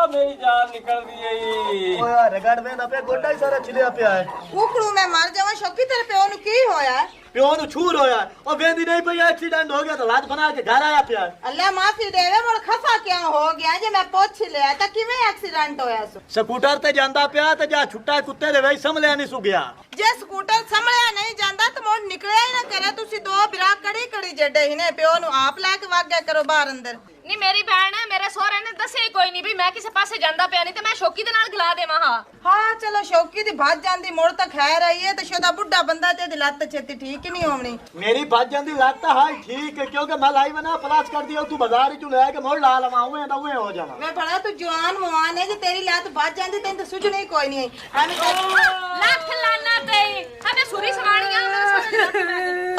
मेरी जान निकल रही है ਓ ਯਾਰ ਰਗੜ ਵੇਂਦਾ ਪਿਆ ਗੋਡਾ ਹੀ ਸਾਰਾ ਛਿਲਿਆ ਪਿਆ ਹੈ ਕੁਕੜੂ ਮੈਂ ਮਰ ਜਾਵਾਂ ਸ਼ੌਕੀ ਤੇਰੇ ਪਿਓ ਨੂੰ ਕੀ ਹੋਇਆ ਪਿਓ ਨੂੰ ਛੂਰ ਹੋਇਆ ਉਹ ਵੇਂਦੀ ਨਹੀਂ ਪਈ ਐਕਸੀਡੈਂਟ ਹੋ ਗਿਆ ਤਾਂ ਲਾਤ ਬਣਾ ਕੇ ਘਰ ਆਇਆ ਪਿਆ ਅੱਲਾ ਮਾਫੀ ਦੇਵੇ ਮੁੜ ਖਫਾ ਕਿਉਂ ਹੋ ਗਿਆ ਜੇ ਮੈਂ ਪੁੱਛ ਲਿਆ ਤਾਂ ਕਿਵੇਂ ਐਕਸੀਡੈਂਟ ਹੋਇਆ ਸੋ ਸਕੂਟਰ ਤੇ ਜਾਂਦਾ ਪਿਆ ਤੇ ਜਾ ਛੁੱਟਾ ਕੁੱਤੇ ਦੇ ਵਿੱਚ ਸੰਭਲਿਆ ਨਹੀਂ ਸੁਗਿਆ ਜੇ ਸਕੂਟਰ ਸੰਭਲਿਆ ਨਹੀਂ ਜਾਂਦਾ ਤਾਂ ਮੁੜ ਨਿਕਲਿਆ ਹੀ ਨਾ ਕਰੇ ਤੁਸੀਂ ਦੋ ਬਿਰਾ ਕੜੀ ਕੜੀ ਜੱਡੇ ਹੀ ਨੇ ਪਿਓ ਨੂੰ ਆਪ ਲੈ ਕੇ ਵਗ ਗਿਆ ਕਰੋ ਬਾਹਰ ਅੰਦਰ ਨੀ ਮੇਰੀ ਭੈਣ ਮੇਰੇ ਸਹੁਰੇ ਨੇ ਦੱਸਿਆ ਹੀ ਕੋਈ ਨਹੀਂ ਵੀ ਮੈਂ ਕਿਸੇ ਪਾਸੇ ਜਾਂਦਾ ਪਿਆ ਨਹੀਂ ਤੇ ਮੈਂ ਸ਼ੌਕੀ ਦੇ ਨਾਲ ਗਲਾ ਦੇਵਾਂ ਹਾਂ ਚਲੋ ਸ਼ੌਕੀ ਦੀ ਭੱਜ ਜਾਂਦੀ ਮੁੜ ਤਾਂ ਖੈਰ ਆਈ ਹੈ ਤੇ ਸ਼ੋਦਾ ਬੁੱਢਾ ਬੰਦਾ ਤੇ ਇਹਦੀ ਲੱਤ ਛੇਤੀ ਠੀਕ ਹੀ ਨਹੀਂ ਹੋਣੀ ਮੇਰੀ ਭੱਜ ਜਾਂਦੀ ਲੱਤ ਹਾਈ ਠੀਕ ਹੈ ਕਿਉਂਕਿ ਮੈਂ ਲਾਈ ਬਣਾ ਪਲਾਸ ਕਰ ਦਿਆ ਤੂੰ ਬਾਜ਼ਾਰ ਹੀ ਲੈ ਕੇ ਮੋੜ ਲਾ ਲਵਾਂ ਉਵੇਂ ਦਾ ਉਵੇਂ ਹੋ ਜਾਵਾਂ ਮੈਂ ਬੜਾ ਤੂੰ ਜਵਾਨ ਮਵਾਨ ਹੈ ਜੇ ਤੇਰੀ ਲੱਤ ਭੱਜ ਜਾਂਦੀ ਤੈਨੂੰ ਤਾਂ ਸੁਝਣੀ ਕੋਈ ਨਹੀਂ ਐਵੇਂ ਲੱਖ ਲਾਨਾ ਤੇ ਹਮੇ ਸੁਰੀ ਸਵਾਣੀਆਂ ਮੇਰੇ ਸਹੁਰੇ